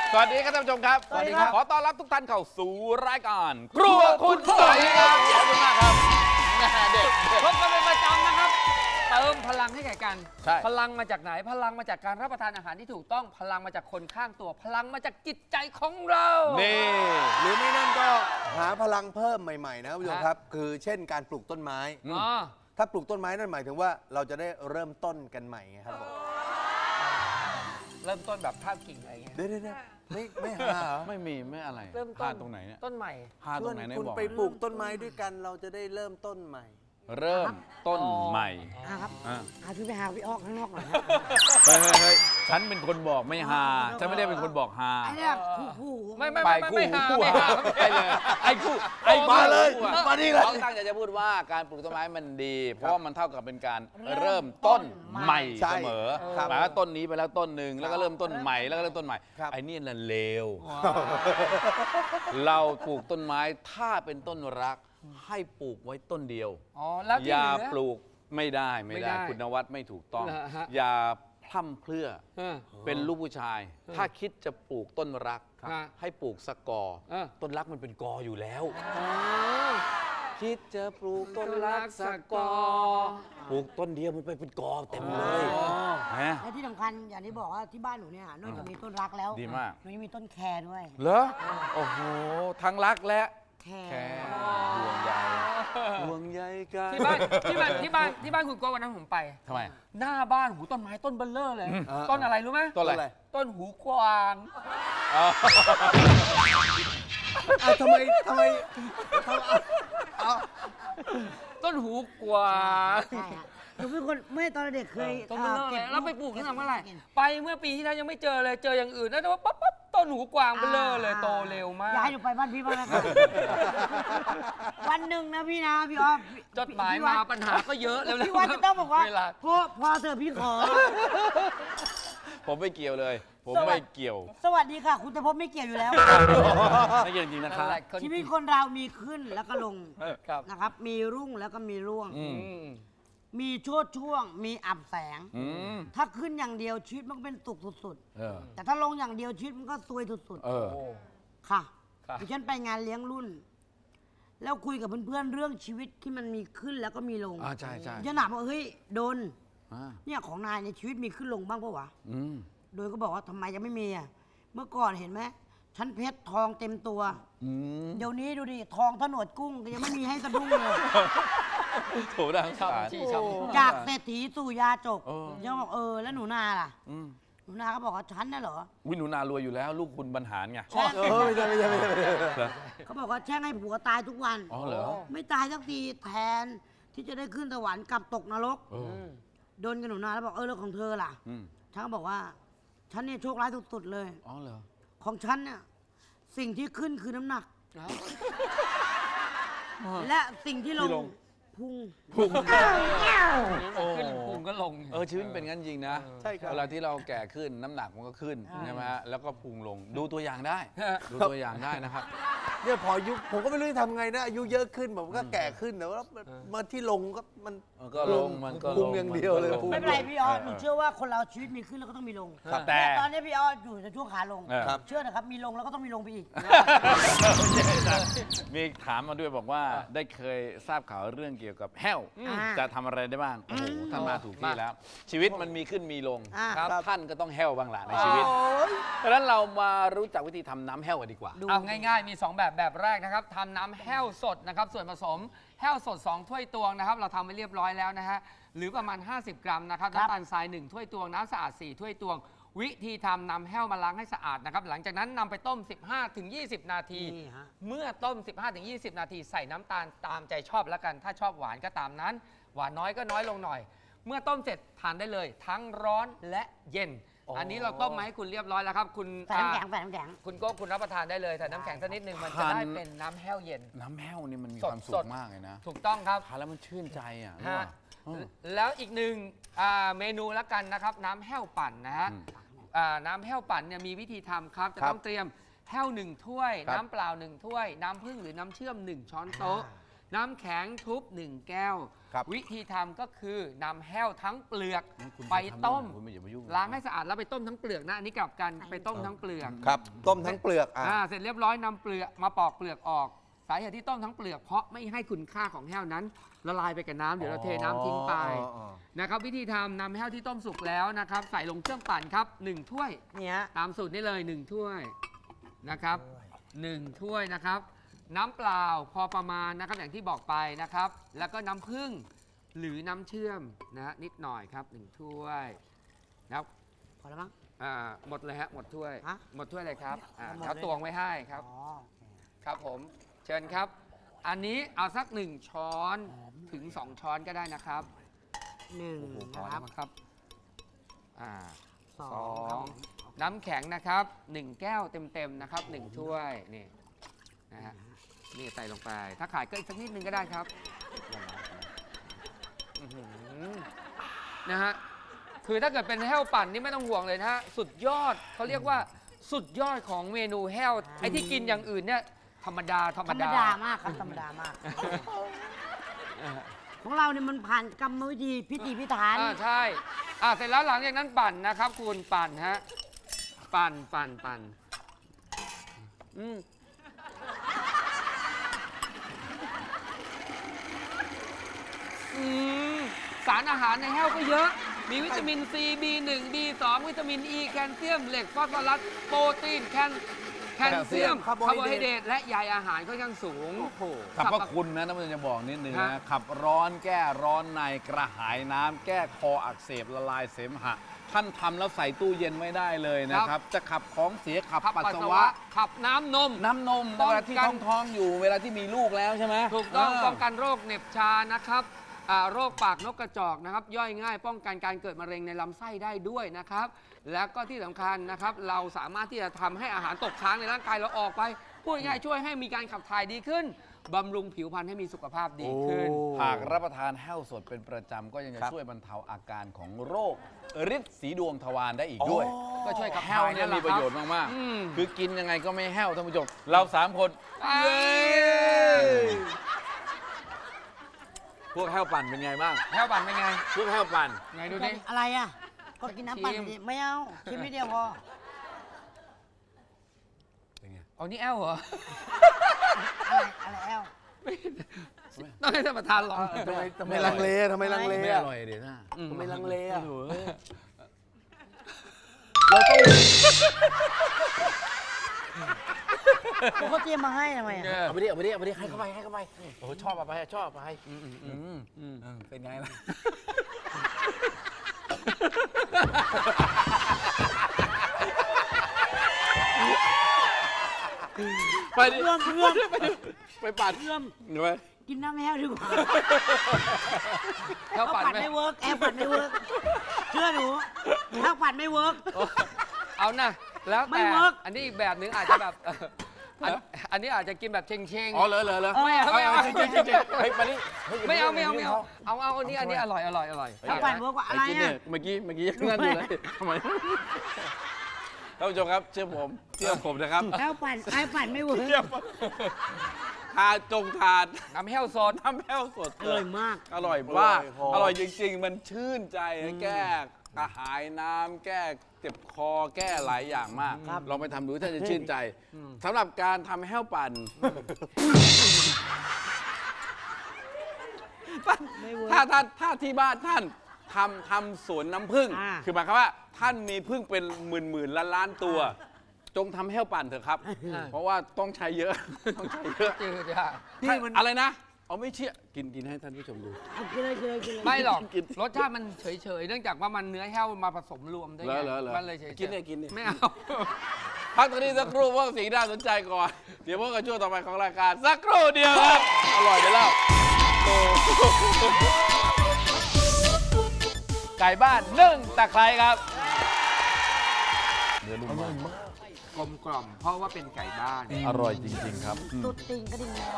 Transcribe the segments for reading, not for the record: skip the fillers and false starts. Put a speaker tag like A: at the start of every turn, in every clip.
A: สวัสดีครับท่านผู้ชมครับ
B: สวัสดีครับ
A: ขอต้อนรับทุกท่านเข้าสู่รายการครัวคุณต่อยครับขอบคุณมากครับเด็ก
B: พบกันเป็นประจำนะครับเติมพลังให้แก่กัน
A: ใช่
B: พลังมาจากไหนพลังมาจากการรับประทานอาหารที่ถูกต้องพลังมาจากคนข้างตัวพลังมาจากจิตใจของเรา
A: นี่
C: หรือไม่นั่นก็หาพลังเพิ่มใหม่ๆนะคุณผู้ชมครับ คือเช่นการปลูกต้นไม้
B: อ๋อ
C: ถ้าปลูกต้นไม้นั่นหมายถึงว่าเราจะได้เริ่มต้นกันใหม่ไงครับผม
B: เริ่มต้นแบบท่าบกิ่งอะไรเงี้ย
C: เดี๋ยวไม่หาเหรอ
A: ไม่มีไม่อะไร
B: เริ่มต้น
A: พลาดตรงไหนเนี่ย
B: ต้นใหม่
A: พลาด
C: ช
A: ตร
C: วน
A: งไหนเนี่ย
C: คุณ
A: บอก
C: ไปปลูกต้นไม้ด้วยกันเราจะได้เริ่มต้นใหม่
A: เริ่มต้นใหม่
D: ครับ
A: อ่ะ
D: พี่ไปหาพี่ออกข้างนอกหน่อยครับ
A: เฮ้ยฉันเป็นคนบอกไม่ฮาฉันไม่ได้เป็นคนบอกฮา
D: ไอ้เนี่ยคู่
B: ไม่
A: ไป
B: หา
A: คู่
B: ไม่หา
A: ไปเลยไอ้คู่
C: มาเลย
A: คู่อะ
C: มานี่เลย
A: เขาตั้งใจจะพูดว่าการปลูกต้นไม้มันดี เพราะว่ามันเท่ากับเป็นการเริ่มต้นใหม่
C: ใช่
A: เสมอ
C: ครับ
A: หมายว่าต้นนี้ไปแล้วต้นหนึ่งแล้วก็เริ่มต้นใหม่แล้วก็เริ่มต้นใหม่
C: ครับ
A: ไอ้นี่น่ะเลว เราปลูกต้นไม้ถ้าเป็นต้นรักให้ปลูกไว้ต้นเดียว
B: อ๋อแล้ว
A: อ
B: ที่
A: ย่า
B: เหลือ
A: ปลูกไม่ได้
B: ไม่ได้
A: คุณนวัดไม่ถูกต้อง
B: เหรอฮะ
A: อย่าพร่ำเพรื่อ
B: เออ
A: เป็นลูกผู้ชาย ถ้าคิดจะปลูกต้นรัก
B: ครับ
A: ให้ปลูกสกอ
B: เออ
A: ต้นรักมันเป็นกออยู่แล้ว
B: อ๋อ
A: คิดจะปลูกต้นรักสกอปลูกต้นเดียวมันไปเป็นกอเต็มเลยฮะ
D: ๆและที่สำคัญอย่างที่บอกว่าที่บ้านหนูเนี่ยนอกจากมีต้นรักแล้ว
A: ดีมาก
D: หนูยังมีต้นแครด้วย
A: เหรอโอ้โหทั้งรักและ
D: แคร
A: แค่ห่วงใยห่วงใยกัน
B: ที่บ้านคุณโก้วันนั้นผมไป
A: ทำไม
B: หน้าบ้านหูต้นไม้ต้นเบลเลอร์เลย ต้นอะไรรู้ไหม
A: ต้นอะไร
B: ต้นหูกวาง
C: ทำไม
B: ต้นหูกวาง
D: ใช่ฮะหนูเป็นคนไม่ตอนเด็กเคย
B: ต้นเบลเลอร์
D: ก็
B: เล
D: บ
B: ยแล้วไปปลูกตั้งแต่เมื่อไหร่
D: ก็บ
B: ไปเมื่อปีที่แล้วยังไม่เจอเลยเจออย่างอื่นนะแต่ว่าปั๊บต้นหูกวางเบลเลอร์เลยโตเร็วมาก
D: อยากให้หนูไปบ้านพี่บ้างนะครับ วันหนึ่งนะพี่นะพี่ออฟ
B: จดหมายมาปัญหาก็เยอะแล้ว
D: พี่วันจะต้องบอกว่า
B: เวลา
D: พอเถอะพี่ขอ
A: ผมไม่เกี่ยวเลย ผมไม่เกี่ยว
D: สวัสดีค่ะ คุณแต่พบไม่เกี่ยวอยู่แล้ว
A: ไม่เกี่ยวจริงๆนะครับ
D: ชีวิตคนเรามีขึ้นแล้วก็ลง
B: ครับ
D: นะครับ มีรุ่งแล้วก็มีร่วง
A: อืม
D: มีโชดช่วง มีอับแสง
A: อืม
D: ถ้าขึ้นอย่างเดียวชีวิตมันก็เป็นสุขสุด
A: เออ
D: ๆ แต่ถ้าลงอย่างเดียวชีวิตมันก็ซวยสุด
A: เออ
D: ๆ ค่ะ
B: ครับ
D: ดิฉันไปงานเลี้ยงรุ่น แล้วคุยกับเพื่อนๆเรื่องชีวิตที่มันมีขึ้นแล้วก็มีลง
A: ใช่ใช่
D: ดิฉันถามว่าเฮ้ยโดน
A: อ่า
D: เนี่ยของนายในยชีวิตมีขึ้นลงบ้างปะวะ
A: อืม
D: โดยก็บอกว่าทำไมจะไม่มีอ่ะ เมื่อก่อนเห็นไหมฉันเพชรทองเต็มตัว
A: อืม
D: เดี๋ยวนี้ดูดิทองถนวดกุ้งก็ยังไม่มีให้สะดุ้งเลย
A: โถดังสาร
B: ที่ชอบ
D: จากเศรษฐีสู่ยาจก
A: เออ
D: ยังบอกแล้วหนูนาล่ะ
A: อืม
D: หนูนาก็บอกว่าฉันน่ะเหรอ
A: วิหนูนารวยอยู่แล้ว ลูกคุณบรรหารไง
D: แช่ง
C: ไม่ใช่
A: เหรอ
D: เขาบอกว่าแช่งให้ผัวตายทุกวัน
A: อ๋อเหรอ
D: ไม่ตายสักทีแทนที่จะได้ขึ้นสวรรค์กลับตกนรก
A: เออ
D: โดนกับหนูนาแล้วบอกแล้วของเธอล่ะ
A: อืม
D: ฉันก็บอกว่า ฉันเนี่ยโชคร้ายสุดๆเลย
A: อ๋อเหรอ
D: ของฉันเนี่ยสิ่งที่ขึ้นคือน้ำหนัก และสิ่งที่ล
A: ที่ล
D: ง
A: ง
D: พุง
A: พุ่ง
B: ขึ้นพุงก็ลง
A: ชีวิตเป็นงั้นจริงนะ
C: ใช่ครับ
A: เวลาที่เราแก่ขึ้นน้ำหนักมันก็ขึ้นใช่ไหมฮะแล้วก็พุงลงดูตัวอย่างได้
B: ฮะ
A: ดูตัวอย่างได้นะครับ
C: เนี่ยพออายุผมก็ไม่รู้จะทำไงนะอายุเยอะขึ้นผมก็แก่ขึ้นแต่ว่ามาที่ลงก็มัน
A: มันก็ลงมันก็ลง
C: พุงอย่างเดียวเลย
A: มันก็ง
C: พุง
D: ไม่เป็นไรพี่ออสหนูเชื่อว่าคนเราชีวิตมีขึ้นแล้วก็ต้องมีลง
A: ครับแต่
D: ตอนนี้พี่ออสอยู่ในช่วงขาลง
A: ครับ
D: เชื่อนะครับมีลงแล้วก็ต้องมีลงไปอีก
A: มีถามมาด้วยบอกว่าได้เคยทราบข่าวเรื่องเกี่ยวกับแห้ว
D: อ่า
A: จะทำอะไรได้บ้างโอ้โหท่านมาถูกที่แล้ว ชีวิตมันมีขึ้นมีลง
D: อ่า
A: ครับท่านก็ต้องแห้วบ้างล่ะในชีวิตดังนั้นเรามารู้จักวิธีทำน้ำแห้วกันดีกว่า
B: เอาง่ายๆ มี 2 แบบแรกนะครับทำน้ำแห้วสดนะครับส่วนผสมแห้วสด 2 ถ้วยตวงนะครับเราทำไว้เรียบร้อยแล้วนะฮะหรือประมาณ 50 กรัมนะครับน้ำตาลทราย 1 ถ้วยตวงน้ำสะอาด 4 ถ้วยตวง วิธีทำนำแห้วมาล้างให้สะอาดนะครับหลังจากนั้นนำไปต้ม 15-20 นาที
D: นี่ฮะ
B: เมื่อต้ม 15-20 นาทีใส่น้ำตาลตามใจชอบแล้วกัน ถ้าชอบหวานก็ตามนั้น หวานน้อยก็น้อยลงหน่อย เมื่อต้มเสร็จทานได้เลย ทั้งร้อนและเย็น อันนี้เราต้มมาให้คุณเรียบร้อยแล้วครับคุณ
D: ใส่น้ำแข็งใส่น้ำแข็ง
B: คุณโก้คุณรับประทานได้เลยแต่น้ำแข็งสักนิดนึงมันจะ
A: ทาน
B: ได้เป็นน้ำแห้วเย็น
A: น้ำแห้วนี่มันมี
B: สด
A: ความสุ
B: ส
A: ข
B: ด
A: มากเลยนะ
B: ถูกต้องครับ
A: ทานแล้วมันชื่นใจอ่ะ
B: ฮะ
A: อืม
B: แล้วอีกหนึ่งเมนูละกันนะครับ น้ำแห้วปั่นนะฮะ
A: อืม
B: น้ำแห้วปั่นเนี่ยมีวิธีทำครับ จะ
A: ครับ
B: ต้องเตรียมแห้ว1 ถ้วย
A: ครับ
B: น้ำเปล่า 1 ถ้วย น้ำผึ้งหรือน้ำเชื่อม 1 ช้อนโต๊ะน้ำแข็งทุบ 1 แก้ว
C: ครับ
B: วิธีทำก็คือนำแห้วทั้งเปลือก
A: คุณ
B: ไปต้ม
A: คุณไม่อย่ามายุ่ง
B: ล้างให้สะอาดแล้วไปต้มทั้งเปลือกนะอันนี้กลับกันไปต้มทั้งเปลือก
C: ครับ ต้มทั้งเปลือก
B: เสร็จเรียบร้อยนำเปลือกมาปอกเปลือกออกสาเหตุที่ต้มทั้งเปลือกเพราะไม่ให้คุณค่าของแห้วนั้นละลายไปกับน้ำเดี๋ยวเราเทน้ำทิ้งไปนะครับวิธีทำนำแห้วที่ต้มสุกแล้วนะครับใส่ลงเครื่องปั่นครับ1 ถ้วย
D: เนี่ย
B: ตามสูตรนี้เลย1 ถ้วยนะครับ1 ถ้วยนะครับน้ำเปล่าพอประมาณนะครับอย่างที่บอกไปนะครับแล้วก็น้ำผึ้งหรือน้ำเชื่อมนะนิดหน่อยครับ1 ถ้วยนะครับ
D: พอแล้วมั้ง
B: หมดเลยฮะหมดถ้วย
D: ฮะ
B: หมดถ้วยเลยครับ
D: หมดเลย
B: เขาตวงไว้ให้ครับ
D: อ๋อ
B: ครับผมเชิญครับ อันนี้เอาสัก1 ช้อนถึง 2 ช้อนก็ได้นะครับ
D: หนึ่ง
B: พอ
D: นะค
B: แล้
D: รั
B: ว
D: บ
B: มั้งครับ
D: ส
B: ส
D: อ
B: อง
D: ครับ
B: น้ำแข็งนะครับ1 แก้วเต็มๆนะครับ1 ถ้วยนี่นะฮะนี่ใส่ลงไป ถ้าขายก็อีกสักนิดนึงก็ได้ครับอื้อหือนะฮะคือถ้าเกิดเป็นแห้วปั่นนี่ไม่ต้องห่วงเลยนะฮะสุดยอดเขาเรียกว่าสุดยอดของเมนูแห้วไอ้ที่กินอย่างอื่นเนี่ยธรรมดา
D: ธรรมดามากครับธรรมดามาก ของเราเนี่ยมันผ่านกรรมวิธีพิธีพิถัน
B: ใช่เสร็จแล้วหลังจากนั้นปั่นนะครับคุณปั่นฮะปั่นสารอาหารในแห้วก็เยอะ มีวิตามินซี B1 B2 วิตามิน E แคลเซียม เหล็ก ฟอสฟอรัส โปรตีน แคลเซียม คาร์โบไฮเดรต และใยอาหารค่อนข้างสูง
A: สรรพคุณนะท่านผู้ชมจะบอกนิดนึง
B: ฮะ
A: นะขับร้อนแก้ร้อนในกระหายน้ำแก้คออักเสบละลายเสมหะ ท่านทำแล้วใส่ตู้เย็นไม่ได้เลยนะครับ จะขับของเสียขับปัสสาวะ
B: ขับน้ำนม
A: น้ำนม
B: ป้อง
A: เว
B: กัน
A: ลาที่ท้องอยู่เวลาที่มีลูกแล้วใช่ไหม
B: ถูกต้องป้องกันโรคเหน็บชานะครับโรคปากนกกระจอกนะครับย่อยง่ายป้องกันการเกิดมะเร็งในลำไส้ได้ด้วยนะครับ แล้วก็ที่สำคัญนะครับเราสามารถที่จะทำให้อาหารตกค้างในร่างกายเราออกไปพูดง่ายๆช่วยให้มีการขับถ่ายดีขึ้นบำรุงผิวพรรณให้มีสุขภาพดีขึ้น
A: หากรับประทานแห้วสดเป็นประจำก็ยังจะ
C: ครับ
A: ช่วยบรรเทาอาการของโรคฤทธิ์สีดวงทวารได้อีกด้วย
B: ก็ช่วยขับ
A: แห้ว
B: ถ่าย
A: เนี่ยมีประโยชน์มาก
B: อืม
A: ๆคือกินยังไงก็ไม่แห้วท่านผู้ชมเรา3 คน พวกแห้วปั่นเป็นไงบ้าง
B: แห้วปั่นเป็นไง
A: พวกแห้วปั่น
B: ไงดูดิ
D: อะไรอ่ะ ก็กินน้ำปั่น
B: ชิม
D: ดิไม่เอาชิมนิดเดียวพอ
B: เอานี่แอลเหรอ
D: อะไรแอล
B: ต้องให้ท่านประธานลอง
C: ทำไมลังเลทำไมลังเล
A: ไม่อ
C: อะ
A: ร่อยเดี๋ยวนะ
C: ทำไมลังเลอะ
A: โอ้โห
C: เราต้อง
D: เขาเตรียมมาให้ทำไมอ่ะ
A: เอาไปดิให้เข้าไปโอ้โหชอบเอาไปเป็นไงล่ะไปดิ
D: เพื่อม
A: ไปปั่น
D: เพื่อม
A: เดี๋ยวไป
D: กินน้ำแห้วดีกว่า
B: แห้วปั่นไหม
D: ไม่เวิร์กแอลปั่นไม่เวิร์กเชื่อหนูแห้วปั่นไม่เวิร์ก
B: เอานะแล้ว
D: ไม่
B: แต่
D: เวิร์ก
B: อันนี้อีกแบบหนึงอาจจะแบบอันนี้อาจจะกินแบบเชง
A: อ๋อเหรอ
B: ไม่เอา
A: จริงเฮ้ยไปดิ
B: ไม่เอาเอาอันนี้อร่อย
D: แห้วปั่นเวิร์กกว่าอะไร
A: กิน
D: อ่ะ
A: เนี่ยเมื่อกี้ยังนั่นอยู่เลยทำไมท่านผู้ชมครับเชื่อผมนะครับ
D: แห้วปั่นไม่เวิร์ก
A: ทานทาน
B: น้ำแห้วสด
A: น้ำแห้วสด
D: อร่อยมาก
A: อร่อยมากอร่อยจริงๆ มันชื่นใจแก้กระหายน้ำแก้เจ็บคอแก้หลายอย่างมาก ลองไปทำดูท่านจะชื่นใจสำหรับการทำแห้วปั่น
D: ไม่เวิร์ก
A: ถ้าที่บ้านท่านทำสวนน้ำผึ้ง
D: อ่า
A: คือหมายความว่าท่านมีผึ้งเป็นหมื่นล้านตัว จงทำแห้วปั่นเถอะครับ เพราะว่าต้องใช้เยอะ ต้องใช้เยอะ
B: จืดอ่ะ
A: อะไรนะ เอาไม่เชื่อกินให้ท่านผู้ชมดู
D: เอากินเลย
B: ไม่หรอก
A: กิน
B: รสชาติมันเฉยๆเนื่องจากว่ามันเนื้อแห้วมาผสมรวมด้วยไง
A: เหรอ
B: มันเลยเฉยๆ
A: กินเนี่ย
B: ไม่เอา
A: พักตรงนี้สักครู่เพราะสิ่งน่าสนใจก่อน เดี๋ยวพบกันช่วงต่อไปของรายการสักครู่เดียวครับ อร่อยไปแล้วโอ้ไก่บ้านนึ่งตะไคร้ครับเนื้อนุ่มมาก
B: กลมกล่อมเพราะว่าเป็นไก่บ้าน
A: อร่อยจริงๆครับ
D: ตุ๊ดติงก็ดิ่งแล้ว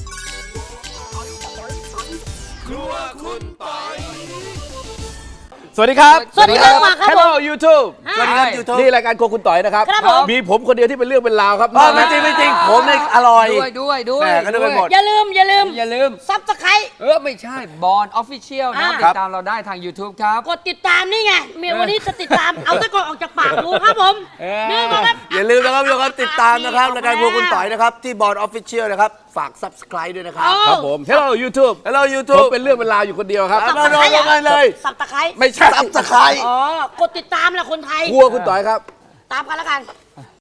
A: ครัวคุณปอยสวัสดีครับ
D: สวัสดีครับมาครับ
A: Hello YouTube
C: สวัสดีครับยูทูบ
A: นี่รายการโครัวคุณต่อยนะครับ
D: ครับผม
A: มีผมคนเดียวที่เป็นเรื่องเป็นราวครับ
C: ไม่จริงไม่จริงผมเนี่ยอร่อย
B: ด้วย
C: แหม่ก็นึกไปหมด
D: อย่าลืม
B: อย่าลืม
D: ซับสไครต์
B: ไม่ใช่บอลออฟฟิเชียลนะครับ
D: อ่า
B: ติดตามเราได้ทาง YouTube ครับ
D: กดติดตามนี่ไงเมียวันนี้จะติดตาม เอาตะกอนออกจากปากดูครับผม นี่ก็ครับ
C: อย่าลืมนะครับทุกคนติดตามนะครับรายการพวกคุณต่อยนะครับที่บอร์ดออฟฟิเชียลนะครับฝาก subscribe ด้วยนะครับ
A: ครับผม Hello YouTube
C: Hello
A: ผม
C: YouTube
A: เป็นเรื่องเป็นราวอยู่คนเดียวครับ
C: มาลงกันเลย
D: สับตะไคร้
A: ไม่ใช่
C: subscribe
D: อ๋อ กดติดตามแหละคนไทย
A: ครัวคุณต่อยครับ
D: ตามกันแล้วกัน